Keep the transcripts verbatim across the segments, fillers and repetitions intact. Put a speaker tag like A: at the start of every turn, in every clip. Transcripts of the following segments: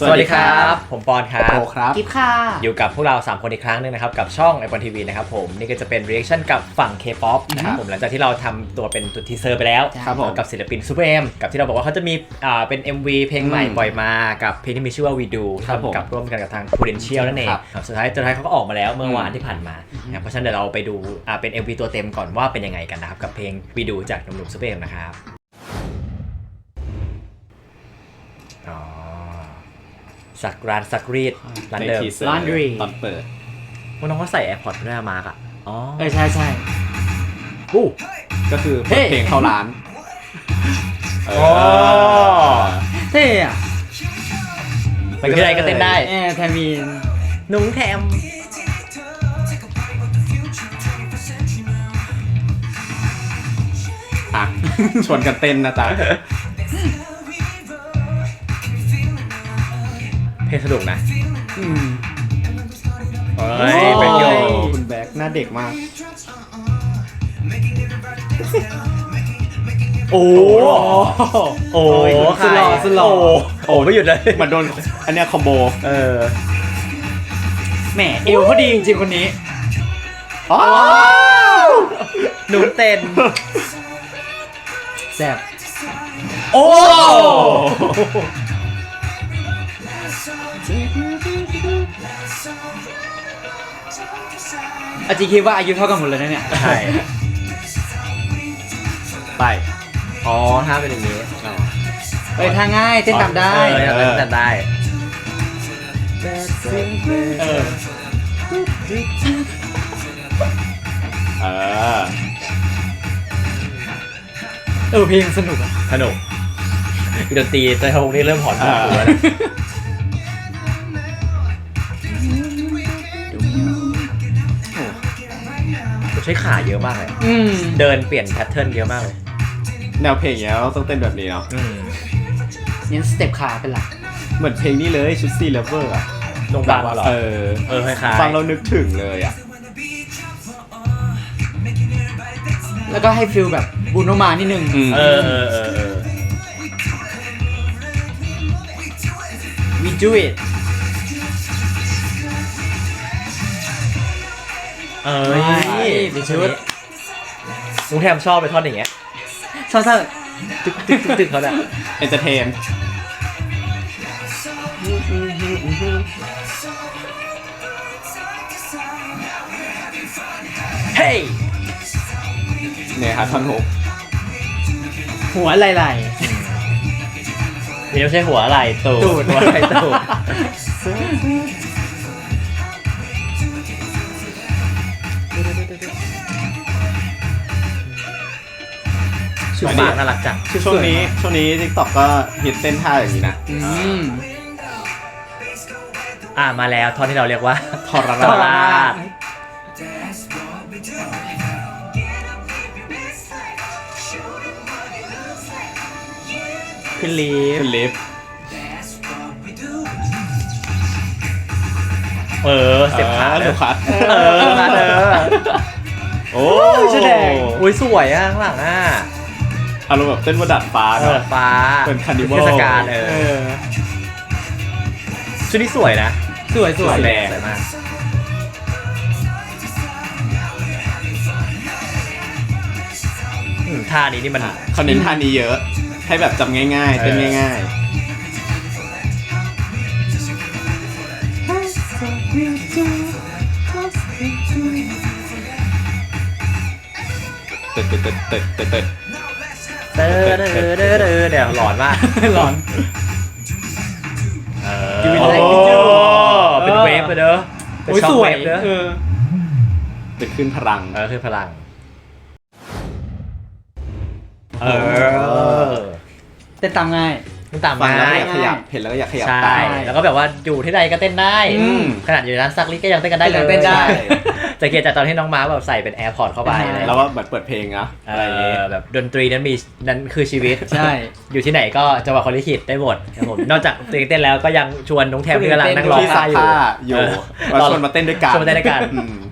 A: สวัสดีครับผมปอนครับ
B: โอครับ
C: กิฟค่ะ
A: อยู่กับพวกเราสามคนอีกครั้งนึงนะครับกับช่องไอ พี โอ เอ็น ที วี นะครับผมนี่ก็จะเป็น reaction กับฝั่ง K-pop นะครับผมหลังจากที่เราทำตัวเป็นตัวทีเซอร์ไปแล้วกับศิลปิน Super M กับที่เราบอกว่าเขาจะมีอ่าเป็น เอ็ม วี เพลงใหม่ปล่อยมากับเพลงที่มีชื่อว่า We Do ทำกับร่วมกันกับทาง Prudential นั่นเองสุดท้ายสุดท้ายเขาก็ออกมาแล้วเมื่อวานที่ผ่านมาเพราะฉะนั้นเดี๋ยวเราไปดูอ่าเป็น เอ็ม วี ตัวเต็มก่อนว่าเป็นยังไงกันนะครับกับเพลง We Do จากหนุ่มๆ Super M นะครับอ๋อสักร้านสักรีดร้านเดิม
B: ร้านรีตอนเปิด
A: ว่าน้องเขาใส่ AirPods ด้วยมาร์กอ่ะอ๋อ
C: เออใช่ใช่
A: อู้
B: ก็คือเปิดเพลงเข้าร้าน
A: โอ้
C: เท่อะ
A: ไปที่ไหนก็เต้นได้
C: เออแทมีน
A: นุ้งแทม
B: อ่ะชวนกันเต้นนะจ๊ะ
A: เพลงสนุกนะ
C: อืม
A: เฮ้ยเป็นโย
B: คุณแบ็คหน้าเด็กมาก
A: โอ้โอ้
C: สุดหล่อสุดหล่อ
A: โอ้ไม่หยุดเลย
B: มันโดนอันเนี้ยคอมโบ
A: เออ
C: แหมเอวเขาดีจริงๆคนนี้
A: หนูเต้น
C: แซ่บ
A: โอ้
C: อาจีคิดว่าอายุเท่ากันหมดเลยนะเนี่ย
A: ใช่
B: ไป
A: อ๋อถ้าเป็นอย่างนี้
C: เอ้ยทางง่ายเต้นตามได้
A: เต้นตามได้
C: เออ
B: เออ
C: เออเพลงสนุกอะ
A: สนุกดนตรีแต่วงนี้เริ่มหอนหัวแล้วใช้ขาเยอะมากเลยเดินเปลี่ยนแพทเทิร์นเยอะมากเลย
B: แนวเพลงเนี้ยต้องเต้นแบบนี้เนาะ
C: เน้นสเต็ปขาเป็นหลัก
B: เหมือนเพลงนี้เลยชุดซีเลเวอร์อะ
A: ลงดังเหรอ
B: เออ
A: เออคล้าย
B: ๆฟังเรานึกถึงเลยอะ
C: แล้วก็ให้ฟิลแบบบูโนมานิดนึง
A: เออเออเออ
C: We do it
A: เอ้ยดิชุดลุงแทมชอบไปท่อนอย่างเงี้ย
C: ชอบท่า
A: ตึกตึกตึกเขาเนี่ย
B: เอนเตอร์เทน
A: เฮ้ย
B: เนี่ยครับท่อนฮุก
C: หัวไหล
A: ๆนี่ไม่ใช่หัวอะไรตูดหัวอะไรตูดชุดปากน่ารักจัง
B: ช่วงนี้ช่วงนี้ TikTok ก็ฮิตเต้นท่าอย่างนี้นะ
C: อืม
A: อ่ามาแล้วท่อนที่เราเรียกว่า
B: ทรราช
C: ขึ้นลิฟต์
B: ขึ้นลิฟต์
A: เออเสียบขาเลย
B: เออ
A: มาเออ
B: โอ้
A: แสดงอุ้ยสวยอ่ะข้างหลังอ่ะ
B: อารมณ์แบบเต้นบนดาดฟ้า
A: เนอะฟ้า
B: เป็นคาร์นิวัล
A: เทศกาลเออชุดนี้สวยนะ
C: สวยสวย
A: แรงมากท่านี้นี่มัน
B: เขาเน้นท่านี้เยอะให้แบบจำง่ายๆเต้นง่ายๆเติร์ดเติร์ดเติร์ดเติร์ดเติร์ด
A: เติร์ดเติร์ดเติร์ดเติร์ดเดี๋ยวหลอนมาก
C: หลอน
A: เออเป็นเวฟเลยเด้อ
C: เป็นช็อคเวฟเด้อ
B: จะขึ้นพลัง
A: เออขึ้นพลังเออ
C: เต้นตามง่าย
A: เต้นตาม
B: ง่าย
A: อยาก
B: ขยับเห็นแล้วก็อยากขยับ
A: ใช่แล้วก็แบบว่าอยู่ที่ใดก็เต้นได้ขนาดอยู่ร้านซักลิก็ยังเต้นกันได้เลย
C: เต้นได้
A: จะเกียรจากตอนที่น้องม้าแบบใส่เป็น AirPods เข้าไป
B: แล้วว่าแบบเปิดเพลงนะอะไรอย่างเงี้ย
A: แบบดนตรีนั้นมีนั้นคือชีวิต
C: ใช่
A: อยู่ที่ไหนก็จังหวะคนลิขิตได้หมดครับผมนอกจากเพลงเต้นแล้วก็ยังชวนน้องแทมที่กำลังนั่งร้อง
B: ท่าอยู่อยู่มาชวนมาเต้นด้วยกัน
A: ชวนมาเต้นด้วยกัน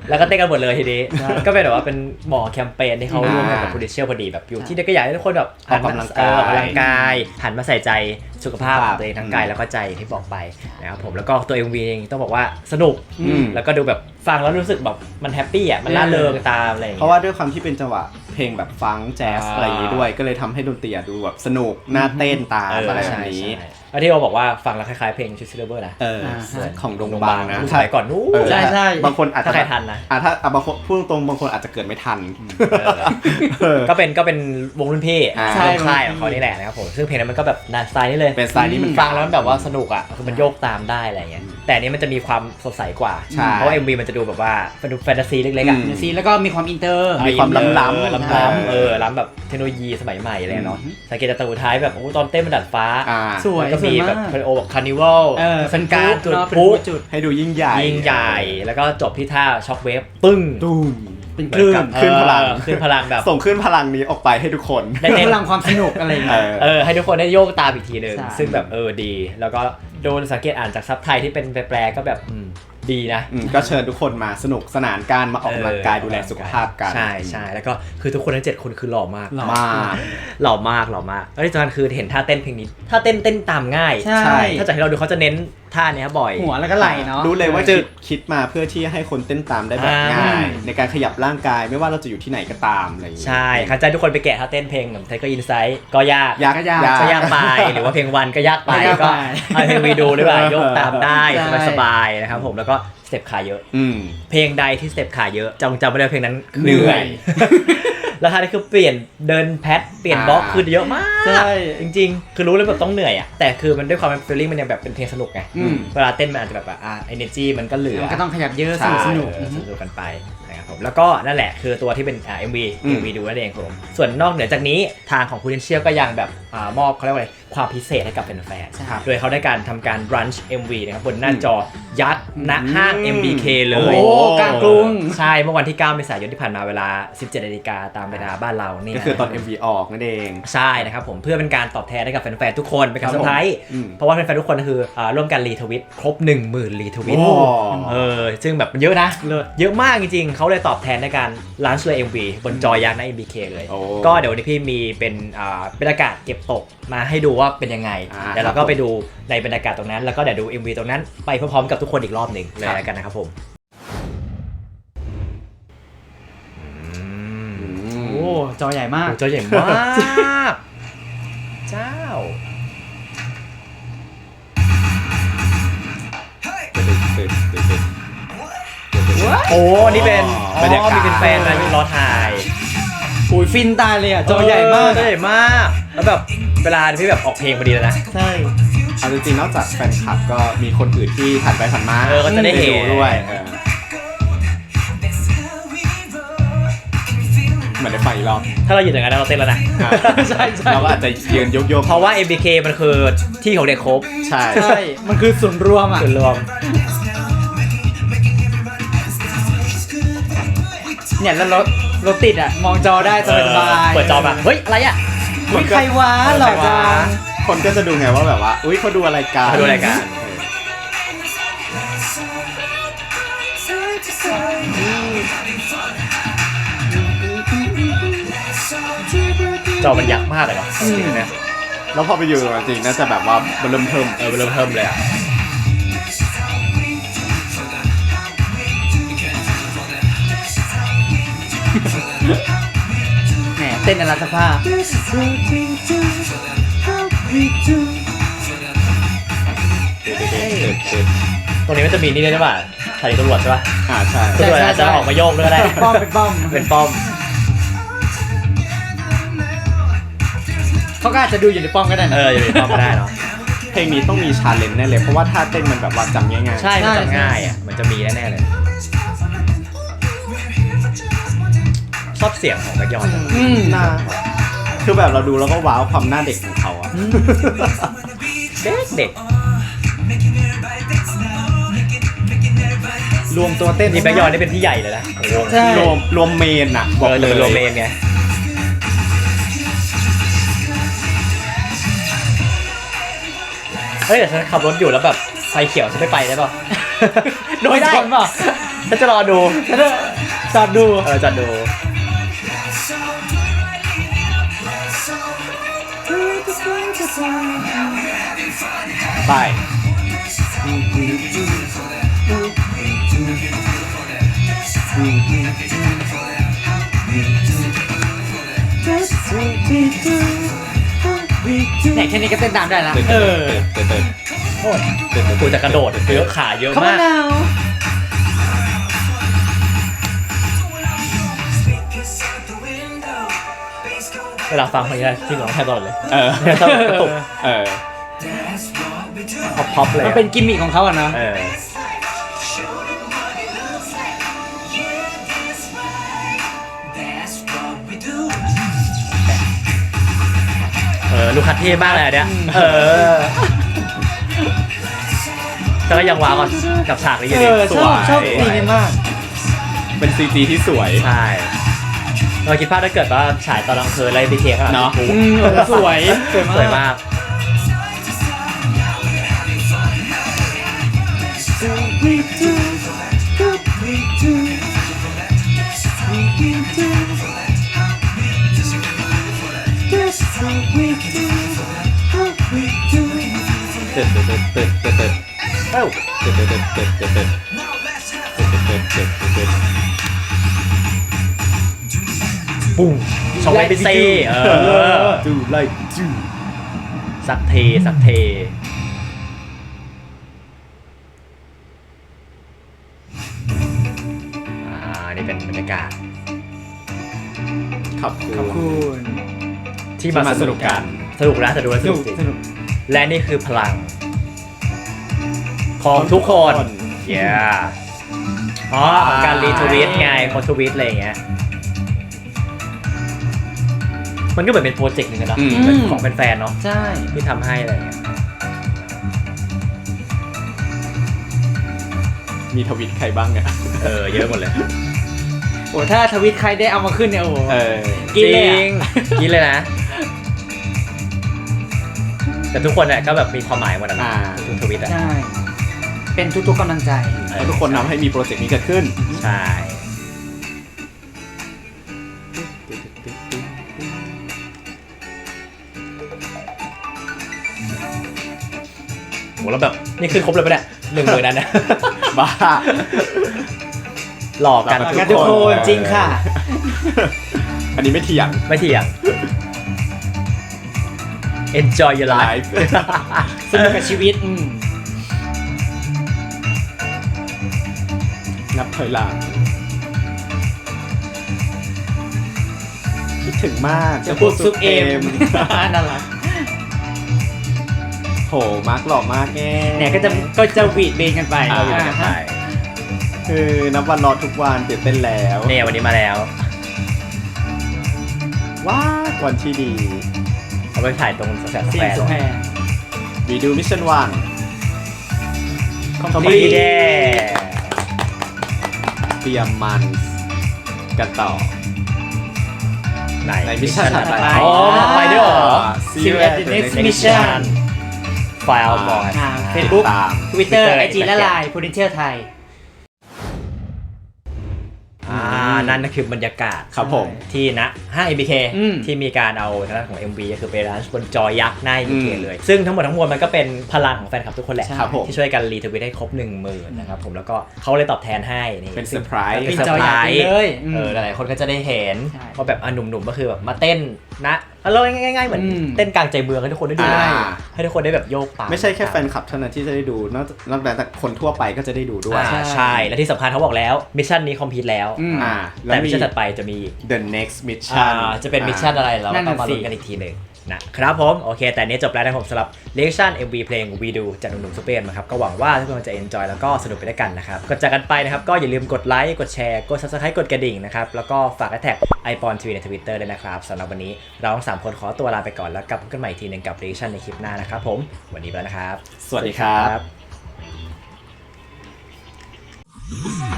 A: แล้วก็เต้นกันหมดเลยทีนี้ก็เป็นแบบว่าเป็นหมอแคมเปญที่เขาร่วมกันกับโปรดิวเซอร์พอดีแบบอยู่ที่เด็กก็อยากให้ทุกคนแบบ
B: ออกกำลังกาย
A: ออกกำลังกายหันมาใส่ใจสุขภาพของตัวเองทั้งกายแล้วก็ใจที่บอกไปนะครับผมแล้วก็ตัว เอ็ม วี เองต้องบอกว่าสนุกแล้วก็ดูแบบฟังแล้วรู้สึกแบบมันแฮปปี้อ่ะมันร่าเริงตามอะไรอย่าง
B: เพ
A: เงี้ย
B: ราะว่าด้วยความที่เป็นจังหวะเพลงแบบฟังก์แจ๊ส
A: อ่า
B: อะไรอย่างนี้ด้วยก็เลยทำให้ดนตรีอะดูแบบสนุกน่าเต้นตามอะไรแบบนี้
A: ใช่แล้วที่เราบอกว่าฟังแล้วคล้ายๆเพลงชุดซิลเวอร์นะ
B: เออของดงบางนะ
A: สมัยก่อนนู้น
B: เออ
C: ใช่ใช่
B: บางคนอาจจะ
A: ถ้าใครทันนะ
B: อ่ะถ้าอ่ะบางคนพูดตรงๆบางคนอาจจะเกิดไม่ทัน เออ
A: ก็เป็นก็เป็นวงรุ่นพี่
B: อ่า
A: ใช่ค่ายของเขานี่แหละนะครับผมซึ่งเพลงนั้นมันก็แบบนานสไตล์นี่เลย
B: เป็นสไตล์นี้มัน
A: ฟังแล้วมันแบบว่าสนุกอ่ะคือมันโยกตามได้อะไรเงี้ยแต่อันนี้มันจะมีความสดใสกว่า
B: ใช่
A: เพราะว่า เอ็ม วี มันจะดูแบบว่าเป็นแฟนตาซีเล็กๆอ่ะ
B: อืม
C: ซีแล้วก็มีความอินเตอร์
B: มีความล้ำล้ำ
A: เออล้ำล้ำเออล้ำแบบเทคโนโลยีสมัยใหม่อะไรเนาะสังเกตจากตัวท้ายแบบโอ้ตอนเต้นมันดัดฟ้า
B: อ่า
C: สวย
A: แล้วก็มีแบบคาริโอแบบคาร์นิวัล
C: เออ
A: เป็นการจุด
C: เนอะ
A: พลุ
C: จุด
B: ให้ดูยิ่งใหญ่
A: ยิ่งใหญ่แล้วก็จบที่ท่าช็อคเวฟปึ้ง
B: ตูม
C: เป็นคลื่น
B: คลื่นพลัง
A: เออคลื่นพลังแบบ
B: ส่งขึ้นพลังนี้ออกไปให้ทุกคน
A: ได้เน้น
C: พลังความสนุกอะไรอย่าง
B: เอ
C: เงี้ย
B: อ
A: เออให้ทุกคนได้โยกตามอีกทีหนึ่ง
C: ใช่
A: ซึ่งแบบเออดี แล้วก็โดนสังเกตอ่านจากซับไทยที่เป็นแปลๆก็แบบอืมดีนะ
B: อืมก็เชิญทุกคนมาสนุกสนานการมาออกกำลังกายดูแลสุขภาพกัน
A: ใช่ใช่แล้วก็คือทุกคนทั้งเจ็ดคนคือหล่อมาก
C: หล่อ
B: มาก
A: หล่อมากหล่อมากแล้วที่สำคัญคือเห็นท่าเต้นเพลงนี้ท่าเต้นเต้นตามง่าย
C: ใช่
B: ใช่
A: ถ้าจากที่เราดูเขาจะเน้นท่าเนี้ยบ่อย
C: หัวแล้วก็ไหล่เนาะ
B: รู้เลยว่า
A: จึ
B: คิ
A: ก
B: ดคิดมาเพื่อที่ให้คนเต้นตามได้แบบ
A: อ่า
B: ง่าย ในการขยับร่างกายไม่ว่าเราจะอยู่ที่ไหนก็ตามอะไรอย่างเงี้ย
A: ใช่คันใจทุกคนไปแกะท่าเต้นเพลงแบบไทเกอร์อินไซด์ก็ยาก
B: ยาก
C: ก็ยาก
A: ก็ยากไปหรือว่าเพลงวันก็ยากไป
C: ก็ยาก
A: ก็
C: ไป
A: ให้เพลงวีดูด้วยว่าโยกตามได้
C: ใช่
A: สบายๆนะครับผมแล้วก็สเต็ปขาเยอะ
B: อืม
A: เพลงใดที่สเต็ปขาเยอะจำจำไม่ได้เพลงนั้น
B: เหนื่อย
A: แล้วท่านี้คือเปลี่ยนเดินแพทเปลี่ยนบล็อก
B: อ่า
A: คือเยอะมาก
C: ใช่
A: จริงๆ คือรู้เลยแบบต้องเหนื่อยอ่ะแต่คือมันด้วยความเป็นฟีลลิ่งมันยังแบบเป็นเพลงสนุกไง
C: อืม
A: เวลาเต้นมันอาจจะแบบว่าอ่าเอเนจีมันก็เหลือ
C: มันก็ต้องขยับเยอะ
B: ใช่
C: สนุกสนุก
A: เออสนุกกันไปนะครับผมแล้วก็นั่นแหละคือตัวที่เป็นอ่า เอ็ม วี
B: อืม
A: เอ็ม วี ดูนั่นเองครับผมส่วนนอกเหนือจากนี้ทางของ Prudential ก็ยังแบบอ่ามอบเขาเรียกว่าอะไรความพิเศษให้กับแฟน
C: ใช่
A: ๆโดยเขาได้การทำการ Brunch เอ็ม วี นะครับบนหน้าจอยักษ์ณห้าง เอ็ม บี เค เล
C: โอ้
A: ย
C: โหกลางกรุง
A: ใช่เมื่อวันที่เก้าเมษายนที่ผ่านมาเวลา สิบเจ็ดนาฬิกาตามเวลาบ้านเรานี่
B: ก็คือตอน
A: นะ
B: เอ็ม วี ออกนั่นเอง
A: ใช่นะครับผมเพื่อเป็นการตอบแทนให้กับแฟนๆทุกคนเป็นการเซอร์ไพรส์
B: อืม
A: เพราะว่าแฟนๆทุกคนคืออ่าร่วมกันรีทวิตครบ หนึ่งหมื่น รีทวิต
B: โอ้
A: เออซึ่งแบบมันเยอะนะเยอะมากจริงๆเขาเลยตอบแทนในการลันช์เลย เอ็ม วี บนจอยักษ์ใน เอ็ม บี เค เลย
B: โอ้
A: ก็เดี๋ยววันนี้พี่มีเป็นอ่าบรรยากาศเก็บตกมาให้ดูว่าเป็นยังไง
B: อ่า
A: เดี๋ยวเราก็ไปดูในบรรยากาศตรงนั้นแล้วก็เดี๋ยวดู เอ็ม วี ตรงนั้นไปพร้อมๆกับทุกคนอีกรอบหนึ่งเลยแล้วกันนะครับผม
C: โอ้จอใหญ่มาก
A: โอ้จอใหญ่มาก เจ้า โอ้นี่เป็น
B: บรรยากาศ
A: มีเป็นแฟนมายืนรอถ่าย
C: โอ้ยฟินตายเลยอ่ะ จอใหญ่มาก
A: จอใหญ่มาก แล้วแบบเวลาที่แบบออกเพลงพอดีเลยนะ
C: ใช่
B: เอาจริงๆนอกจากแฟนคลับก็มีคนอื่นที่ผ่านไปผ่านมา
A: เออก็จะได้เห็น
B: ด้วยเออเหมือนได้ฟังอีกรอบ
A: ถ้าเราอยู่อย่างนั้นเราเต้นแล้วนะ
B: อ่ะ
C: ใช่ใช่
B: เราก็อาจจะยืนโยกๆ
A: เพราะว่า เอ็ม บี เค มันคือที่ของเด็กครบ
B: ใช่
C: ใช่ มันคือส่วนย์รวมอ่ะ
A: ส่วนรวม
C: เนี่ยแล้วรถรถติดอ่ะ มองจอได้สบายๆ
A: เปิดจอมาเฮ้ย อะไรอ่ะ
C: อุ๊ยใครวะหล่อจัง
B: คนก็จะดูไงว่าแบบว่า อุ้ยเขาดูอะไรกัน
A: เขาดูอะไรกัน
B: เออ
A: จอมันยักษ์มากเลยเนาะจริงๆเนี่ย
B: แล้วพอไปอยู่จริงๆน่าจะแบบว่าเริ่มเทิม
A: เออมันเริ่มเทิมเลยอ่ะ
C: แหมเต้นอลัสภาพ
A: ตรงนี้มันจะมีนี่ด้วยใช่ป่ะสถานีตำรวจใช่ป่ะ
B: อ่าใช่
A: ตำรวจอาจจะออกมาโยกด้วยก็ได้
C: ป้อมเป็นป้อม
A: เป็นป้อม
C: เขาก็อาจจะดูอยู่ในป้อมก็ได้นะ
A: เอออยู่ในป้อมก็ได้เนาะ
B: เพลงนี้ต้องมีชาเลนจ์แน่เลยเพราะว่าท่าเต้นมันแบบว่าจำง่ายๆ
A: ใช่มันจำง่ายอ่ะมันจะมีแน่ๆเลยชอบเสียงของแบ็คยอน
C: อืม
B: หน้าคือแบบเราดูแล้วก็ว้าวความหน้าเด็กของเขาอะ
A: เด็กเด็ก
C: รวมตัวเต้น
A: นี่แบ็คยอนนี่เป็นพี่ใหญ่เลยนะโอ้โห
C: ใช่
B: รวมรวมเมนอะ
A: บบ อ
B: อก ก
A: เล
B: เลย ย
A: รวมเลนไงเฮ้ยแต่ฉันขับรถอยู่แล้วแบบไฟเขียวฉันไม่ไปได้ป่ะ
C: โดนชนเปล่ะ
A: ฉันจะรอดู
C: จอดดู
A: เออจะดู
B: ไป
C: เนี่ยแค่นี้ก็เต้นตามได้ละ
B: เออเต้นเต้น
A: โอ้ยกูจะกระโดดเยอะขาเยอะ
C: เขา
A: มาก
C: นาว
A: เวลาฟังเพลงนี้ที่ร้องแทบตลอดเลย
B: เออ
A: ชอบกระตุก
B: เออ
A: พ็อปพ็อปเลย
C: มันเป็นกิมมิคของเขาอะเนาะ
A: เออเออลูกคัดเท่มากเลยอันเนี้ยเออแต่ก็ยังว้าวกับฉากนี้อยู่
C: เอ
A: ดี
C: อชอบชอบ
B: สวย
C: ซีนนี้มาก
B: เป็นซีจีที่สวย
A: ใช่เราคิดภาพถ้าเกิดว่าฉายตอนกลางคืนอะไรบีเคขนาด
B: เนอะ
A: นี้
C: อืมเออสวยสวยมาก
A: สวยมาก
B: เต้นเต้นเต้นเต้นเต้นเต้น
A: เอ้า
B: เต้นเต้นเต้นเต้นเต้นเต้นเต้นเต้นเต้นเต้น
A: ปุ้งช่องไว้เป็นเซ่เออ
B: ดูไล่จู
A: สักเทสักเทอ่านี่เป็นบรรยากาศ
B: ขอบคุณ
C: ขอบคุณ
A: ที่มา
B: ที่มา
A: สนุกกันสนุกนะแต่ดูแล้ว
C: ส
A: ส
C: นุ
A: นุ
C: ก
A: กจริง
C: สนุก
A: และนี่คือพลัง ของทุกคนเย้อ๋อของการรีทวีตไงคนทวีตอะไรอย่างเงี้ยมันก็เหมือนเป็นโปรเจกต์หนึงนะ
B: อืม
A: เป็นของแฟนๆเนาะ
C: ใช่
A: ที่ทำให้อะไรอย่างเงี้ย
B: มีทวิตใครบ้างเนี่ย
A: เออเยอะหมดเลย
C: โอ้ถ้าทวิตใครได้เอามาขึ้นเนี่ยโอ้โห
B: เออ
C: กินเลย
A: จ
C: อะ
A: ริงกินเลยนะ แต่ทุกคนเนี่ยก็แบบมีความหมายหมดนะ
B: อ่า
A: ทุกทวิตอ่ะ
C: ใช่ เป็นทุกๆกำลังใจ
A: เอ
B: เพ
A: อ
B: ราะทุกคนนำให้มีโปรเจกต์นี้เกิดขึ้น
A: ใช่โหแล้วแบบนี่ขึ้นครบเลยปะเนี่ยหนึ่งหมื่นนั้นนะ
B: บ้า
A: หลอกกัน
B: หลอก
C: กันทุกคนจริงค่ะ
B: อันนี้ไม่เถียง
A: ไม่เถียง enjoy your life
B: ไลฟ์
C: สนุกกับชีวิตอืม
B: นับถอยหลังคิดถึงมาก
C: จะพูดซุปเอมนั่นแหละ
B: โหมาร์กหล่อมากแง่
C: เนี่ยก็จะก็จะหวีดเบนกันไป
B: อ่า
A: อยู่กันไป
B: คือนับวันรอทุกวันตื่นเต้นแล้ว
A: เนี่ยวันนี้มาแล้ว
B: ว้าวันที่ดี
A: เอาไปถ่ายตรงสแควร์ส
C: เสี
A: แค
C: ยง
A: ร์
C: สุแพร
B: วีดูมิชชั่นวัน
A: คอมพลีท
B: เตรียมมันกันต่อ
A: ไหน
B: ในมิชชั่นถัดไป
A: อ๋อไปด้วยเหรอ
B: See you at the next mission
A: ไฟล์บอร์ด
C: อ่าเฟซบุ๊ก
B: ติดตาม
C: ทวิตเตอร์
A: Twitter
C: ไอจีและ
A: Instagram
C: ไลน์โพลิเทียไทย
A: อ่านั่นก็คือบรรยากาศ
B: ครับผม
A: ที่ณห้าง เอ็ม บี เค
C: อืม
A: ที่มีการเอาทางด้านของ เอ็ม วี ก็คือไปร้านบนจอยักษ์หน้า เอ็ม บี เค
B: อืม
A: เลย ซึ่งทั้งหมดทั้งมวลมันก็เป็นพลังของแฟนคลับทุกคนแหละ
B: ครับผม
A: ที่ช่วยกันรีทวิตให้ครบหนึ่งหมื่นนะครับผมแล้วก็เขาเลยตอบแทนให้นี่
B: เป็นเซ
A: ซึ่
B: อง ร์ไพรส์
A: เป็น
C: จ
A: เซ
C: อ
A: อร์ไพร
C: ยักษ์
A: ส์
C: เลยอืม
A: เออหลายๆคนก็จะได้เห็น
C: ใช่
A: ว่าแบบอ่ะหนุ่มๆก็คือแบบมาเต้นนะเราง่ายๆเหมือน
C: อืม
A: เต้นกลางใจเมืองให้ทุกคนได้ดู
B: อ่า
A: ให้ทุกคนได้แบบโยกตาม
B: ไม่ใช่แค่แฟนคลับเท่านั้นที่จะได้ดูนอกนอกจากคนทั่วไปก็จะได้ดูด้วย
A: อ่าใช่ และที่สำคัญเขาบอกแล้วมิชชั่นนี้คอมพลีทแล้ว
C: อืม
B: อ่าแล้
A: แต่
B: ว
A: มิ
B: มี
A: ชชั่นถัดไปจะมี
B: the next mission
A: อ่าจะเป็นมิชชั่นอะไรเรา
C: นั่น
A: ต้
C: น่ะ
A: องมา
C: สิ
A: ลุ้นกันอีกทีหนึ่งนะครับผมโอเค แต่อันนี้จบแล้วนะครับผมสำหรับเลคชั่น เอ็ม วี เพลง We Do จากหนุ่มๆซูเปอร์นะครับก็หวังว่าทุกคนจะ enjoy แล้วก็สนุกไปด้วยกันนะครับก่อนจากกันไปนะครับก็อย่าลืมกดไลค์กดแชร์กด subscribe กดกระดิ่งนะครับแล้วก็ฝากแท็กไอปอนทีวีใน Twitter ด้วยนะครับสำหรับวันนี้เราทั้งสามคนขอตัวลาไปก่อนแล้วกลับพบกันใหม่อีกทีหนึงกับเลคชั่นในคลิปหน้านะครับผมวันนี้ไปแล้วนะครับ
B: สวัสดีครับ
A: สวัสดีครับ